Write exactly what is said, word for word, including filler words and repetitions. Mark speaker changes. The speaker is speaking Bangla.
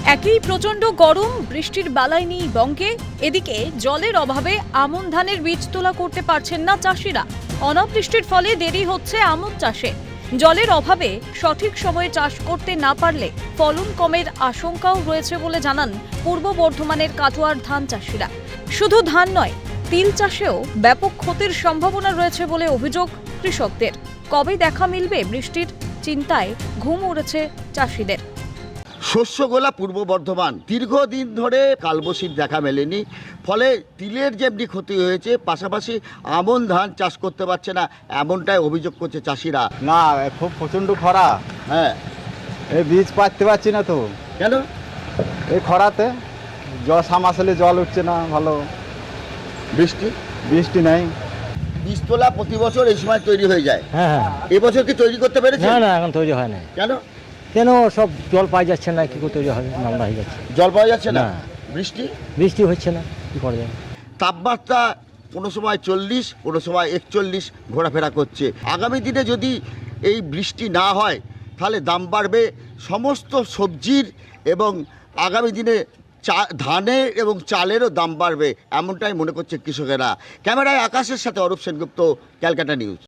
Speaker 1: একই প্রচণ্ড গরম, বৃষ্টির বালাই নেই বঙ্গে। এদিকে জলের অভাবে আমন ধানের বীজ তোলা করতে পারছেন না চাষিরা। অনাবৃষ্টির ফলে দেরি হচ্ছে আমন চাষে। জলের অভাবে সঠিক সময়ে চাষ করতে না পারলে ফলন কমের আশঙ্কাও রয়েছে বলে জানান পূর্ব বর্ধমানের কাটোয়ার ধান চাষিরা। শুধু ধান নয়, তিল চাষেও ব্যাপক ক্ষতির সম্ভাবনা রয়েছে বলে অভিযোগ কৃষকদের। কবে দেখা মিলবে বৃষ্টির চিন্তায় ঘুম উড়েছে চাষিদের।
Speaker 2: শস্যগোলা পূর্ব বর্ধমান দীর্ঘদিন ধরে কালবশির দেখা মেলেনি, ফলে তিলের যেমনি ক্ষতি হয়েছে, পাশাপাশি আমন ধান চাষ করতে পারছে না, এমনটাই অভিযোগ করছে চাষিরা।
Speaker 3: না, খুব প্রচণ্ড খরা।
Speaker 2: হ্যাঁ,
Speaker 3: এই বীজ পাততে পারছি না তো।
Speaker 2: কেন?
Speaker 3: এই খরাতে জল সামাশালে জল উঠছে না, ভালো
Speaker 2: বৃষ্টি
Speaker 3: বৃষ্টি নেই।
Speaker 2: বীজতলা প্রতি বছর এই সময় তৈরি হয়ে যায়।
Speaker 4: হ্যাঁ হ্যাঁ
Speaker 2: এবছর কি তৈরি করতে পেরেছে?
Speaker 4: না না এখন তৈরি হয় না।
Speaker 2: কেন?
Speaker 4: কেন সব জল পাওয়া যাচ্ছে না, কি করে তৈরি হবে, নামলা হয়ে যাচ্ছে।
Speaker 2: জল পাওয়া যাচ্ছে না,
Speaker 4: না।
Speaker 2: বৃষ্টি
Speaker 4: বৃষ্টি হচ্ছে না, কি করা যাবে।
Speaker 2: তাপমাত্রা কোনো সময় চল্লিশ, কোনো সময় একচল্লিশ ঘোরাফেরা করছে। আগামী দিনে যদি এই বৃষ্টি না হয় তাহলে দাম বাড়বে সমস্ত সবজির, এবং আগামী দিনে চা ধানের এবং চালেরও দাম বাড়বে, এমনটাই মনে করছে কৃষকেরা। ক্যামেরায় আকাশের সাথে অরূপ সেনগুপ্ত, ক্যালকাটা নিউজ।